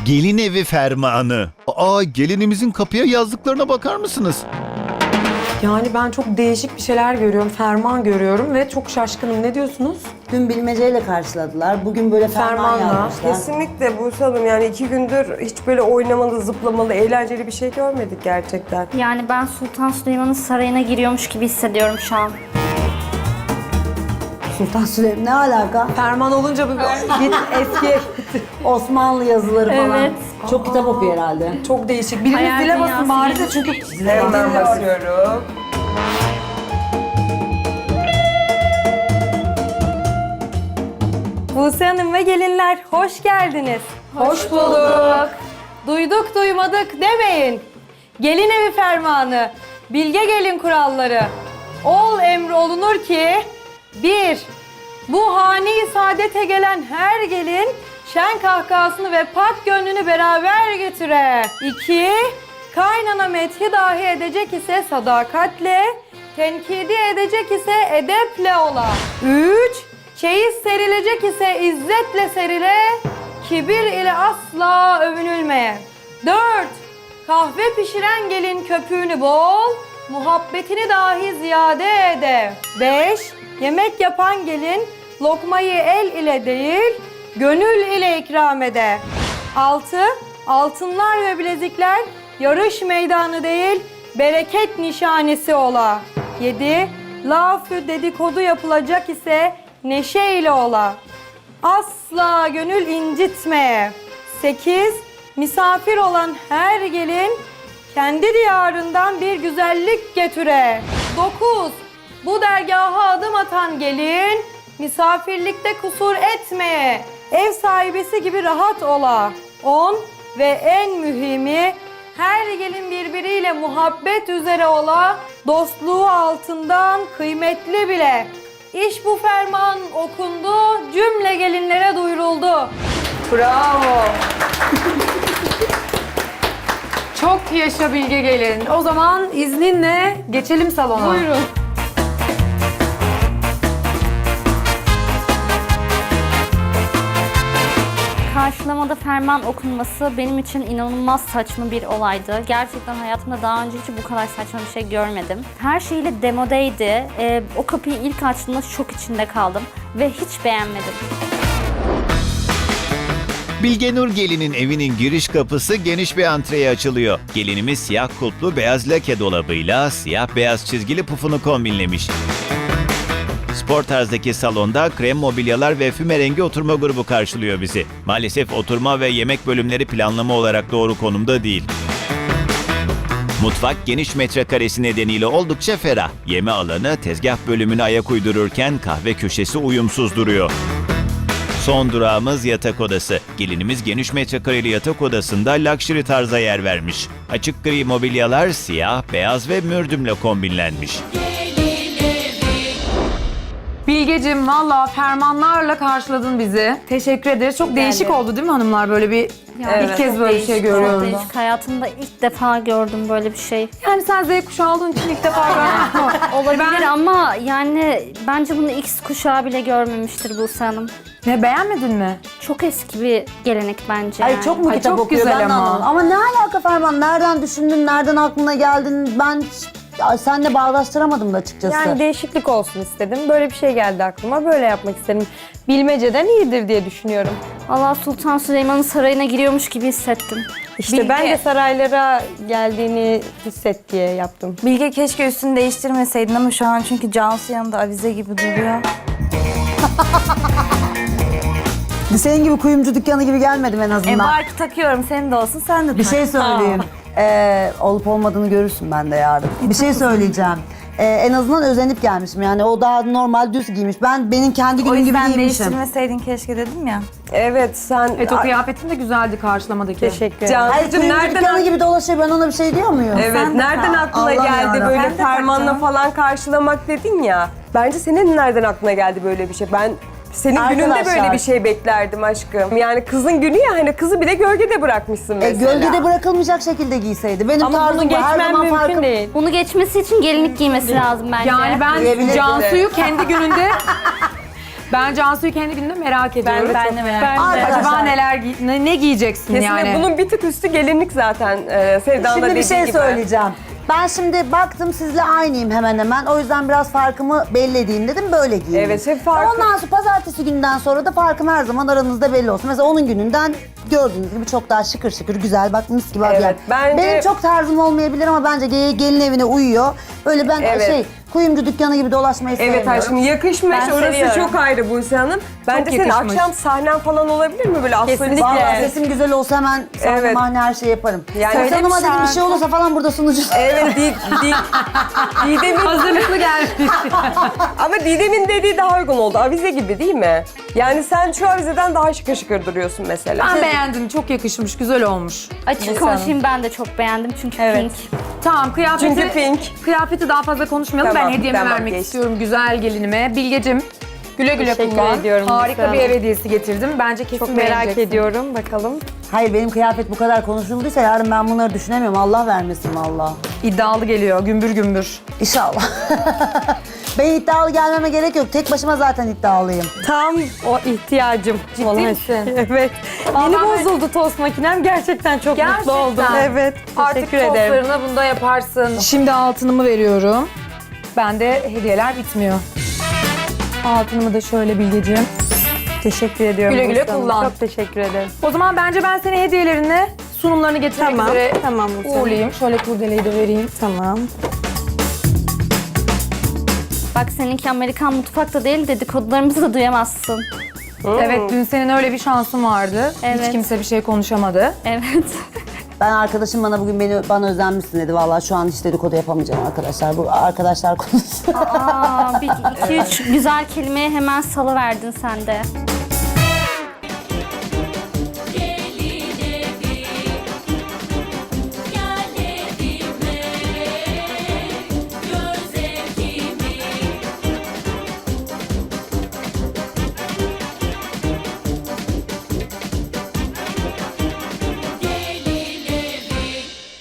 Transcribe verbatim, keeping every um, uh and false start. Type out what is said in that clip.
Gelin evi fermanı. Aa, gelinimizin kapıya yazdıklarına bakar mısınız? Yani ben çok değişik bir şeyler görüyorum, ferman görüyorum ve çok şaşkınım. Ne diyorsunuz? Dün bilmeceyle karşıladılar. Bugün böyle ferman Fermanla. yazmışlar. Kesinlikle Buse Hanım, yani iki gündür hiç böyle oynamalı, zıplamalı, eğlenceli bir şey görmedik gerçekten. Yani ben Sultan Süleyman'ın sarayına giriyormuş gibi hissediyorum şu an. Sultan Süleyman ne alaka? Ferman olunca bir git eski. Osmanlı yazıları falan. Evet. Çok kitap okuyor herhalde. Çok değişik. Biriniz Hayal dile basın dünyası bari gibi. de çünkü Hemen basıyorum. Buse Hanım ve gelinler hoş geldiniz. hoş bulduk. Duyduk duymadık demeyin. Gelin evi fermanı, bilge gelin kuralları. Ol emri olunur ki bir, bu hani saadete gelen her gelin şen kahkahasını ve pak gönlünü beraber götüre. İki, kaynana methi dahi edecek ise sadakatle, tenkidi edecek ise edeple ola. Üç, çeyiz serilecek ise izzetle serile, kibir ile asla övünülmeye. Dört, kahve pişiren gelin köpüğünü bol, muhabbetini dahi ziyade ede. Beş, yemek yapan gelin lokmayı el ile değil, gönül ile ikram ede. Altı, altınlar ve bilezikler yarış meydanı değil, bereket nişanesi ola. Yedi, lafı dedikodu yapılacak ise neşe ile ola. Asla gönül incitmeye. Sekiz, misafir olan her gelin kendi diyarından bir güzellik getüre. Dokuz, bu dergaha adım atan gelin misafirlikte kusur etmeye, ev sahibesi gibi rahat ola. On ve en mühimi, her gelin birbiriyle muhabbet üzere ola, dostluğu altından kıymetli bile. İş bu ferman okundu, cümle gelinlere duyuruldu. Bravo. Çok yaşa bilge gelin. O zaman izninle geçelim salona. Buyurun. Karşılamada ferman okunması benim için inanılmaz saçma bir olaydı. Gerçekten hayatımda daha önce hiç bu kadar saçma bir şey görmedim. Her şeyle demodeydi. Ee, o kapıyı ilk açtığımda şok içinde kaldım ve hiç beğenmedim. Bilgenur gelinin evinin giriş kapısı geniş bir antreye açılıyor. Gelinimiz siyah kulplu beyaz lake dolabıyla siyah beyaz çizgili pufunu kombinlemiş. Spor tarzdaki salonda krem mobilyalar ve füme rengi oturma grubu karşılıyor bizi. Maalesef oturma ve yemek bölümleri planlama olarak doğru konumda değil. Mutfak geniş metrekaresi nedeniyle oldukça ferah. Yeme alanı tezgah bölümüne ayak uydururken kahve köşesi uyumsuz duruyor. Son durağımız yatak odası. Gelinimiz geniş metrekareli yatak odasında luxury tarza yer vermiş. Açık gri mobilyalar siyah, beyaz ve mürdümle kombinlenmiş. Bilgeciğim valla fermanlarla karşıladın bizi. Teşekkür ederiz. Çok değişik oldu değil mi hanımlar? Böyle bir Yani ilk kez çok böyle bir şey değişik, çok görüyorum. değişik. Hayatımda ilk defa gördüm böyle bir şey. Yani sen Z kuşağı olduğun için ilk defa gördüm. Olabilir ama yani bence bunu X kuşağı bile görmemiştir Buse Hanım. Ne, beğenmedin mi? Çok eski bir gelenek bence. Ay yani. çok mu Ay, kitap çok okuyor güzel ben de ama. anlamadım. Ama ne alaka Ferman? Nereden düşündün? Nereden aklına geldin? Ben hiç- senle bağdaştıramadım da açıkçası. Yani değişiklik olsun istedim. Böyle bir şey geldi aklıma. Böyle yapmak istedim. Bilmeceden iyidir diye düşünüyorum. Valla Sultan Süleyman'ın sarayına giriyormuş gibi hissettim. İşte Bilge. ben de saraylara geldiğini hisset diye yaptım. Bilge keşke üstünü değiştirmeseydin ama şu an çünkü Cansu yanında avize gibi duruyor. Senin gibi kuyumcu dükkanı gibi gelmedim en E azından. barkı takıyorum, senin de olsun, sen de Bir tak. şey söyleyeyim. Ee, olup olmadığını görürsün ben de yarın. Bir şey söyleyeceğim. Ee, en azından özenip gelmişim. Yani o daha normal düz giymiş. Ben benim kendi O günüm gibi yüzden giymişim. değiştirmeseydin keşke dedim ya. Evet, sen... Evet o kıyafetin de güzeldi karşılamadaki. Teşekkür ederim. Hayır, Cansu'cum kuyumcu nereden... dükkanı gibi dolaşıyor. Ben ona bir şey diyor muyum? Evet, Sen de nereden tak. aklına Allah geldi yarabbim. böyle Ben de fermanla takacağım. falan karşılamak dedin ya. Bence senin nereden aklına geldi böyle bir şey? Ben senin gününde Arkadaşlar. böyle bir şey beklerdim aşkım. Yani kızın günü ya, hani kızı bir de gölgede bırakmışsın E, mesela. gölgede bırakılmayacak şekilde giyseydi. Benim Ama tarzım bunu bu. Her geçmem zaman mümkün farkım. değil. Bunu geçmesi için gelinlik giymesi lazım bence. Yani ben Diyebilirim. Cansu'yu kendi gününde Ben Cansu'yu kendi gününde merak ediyorum. Ben de merak Ben de. Acaba neler giy- ne, ne giyeceksin Kesinlikle yani? bunun bir tık üstü gelinlik zaten e, Sevda'nın Şimdi da bir dediği şey gibi. söyleyeceğim. Ben şimdi baktım sizle aynıyım hemen hemen. O yüzden biraz farkımı belli edeyim dedim. Böyle giyindim. Evet, hep farkı- Ondan sonra pazartesi günden sonra da farkım her zaman aranızda belli olsun. Mesela onun gününden gördüğünüz gibi çok daha şıkır şıkır güzel. Bak mis gibi Evet, yani. bence- Benim çok tarzım olmayabilir ama bence ge- gelin evine uyuyor. Öyle ben Evet. şey kuyumcu dükkanı gibi dolaşmayı Evet sevmiyorum. aşkım yakışmış. Ben Orası seviyorum. çok ayrı Buse Hanım. Bence senin yakışmış. akşam sahnen falan olabilir mi böyle astrolist? Kesinlikle. Vallahi sesim güzel olsa hemen sahne Evet. mahne her şey yaparım. Yani- Yani Söyle Hanım'a bir dedim bir şey şarkı. olursa falan burada sunucu. Evet, Di, Di, Didem'in Hazırlıklı gelmiş. ama Didem'in dediği daha uygun oldu. Avize gibi değil mi? Yani sen şu avizeden daha şıkır şıkır duruyorsun mesela. Ben beğendim. Çok yakışmış. Güzel olmuş. Açık konuşayım, ben de çok beğendim çünkü pink. Tamam kıyafeti... Çünkü pink. Kıyafeti daha fazla konuşmayalım. Tamam, ben hediyemi tamam, vermek geç. istiyorum güzel gelinime. Bilgecim güle güle Teşekkür kullan. ediyorum Harika Buse bir Hanım. ev hediyesi getirdim. Bence kesin Çok merak beğeneceksin. ediyorum. Bakalım. Hayır benim kıyafet bu kadar konuşulduysa yarın ben bunları düşünemiyorum. Allah vermesin valla. İddialı geliyor. Gümbür gümbür. İnşallah. Ben iddialı gelmeme gerek yok. Tek başıma zaten iddialıyım. Tam o ihtiyacım. Ciddi olan. misin? Evet. Vallahi Yeni ben- bozuldu tost makinem. Gerçekten çok Gerçekten. mutlu oldum. Evet. Artık Teşekkür ederim. tostlarını bunda yaparsın. Şimdi altınımı veriyorum. Bende hediyeler bitmiyor. Altınımı da şöyle Bilgeciğim. Teşekkür ediyorum. Güle güle Buse Hanım. kullan. Çok teşekkür ederim. O zaman bence ben seni hediyelerini, sunumlarını getirmek Tamam. üzere Tamam Buse Hanım. uğurlayayım. Şöyle kurdeleyi de vereyim. Tamam. Bak seninki Amerikan mutfakta değil, dedikodularımızı da duyamazsın. Evet, dün senin öyle bir şansın vardı. Hiç Evet. kimse bir şey konuşamadı. Evet. Ben arkadaşım bana bugün beni bana özenmişsin dedi. Vallahi şu an hiç dedikodu yapamayacağım arkadaşlar. Bu arkadaşlar konuşsun. Aa, bir iki üç güzel kelimeye hemen salıverdin sen de.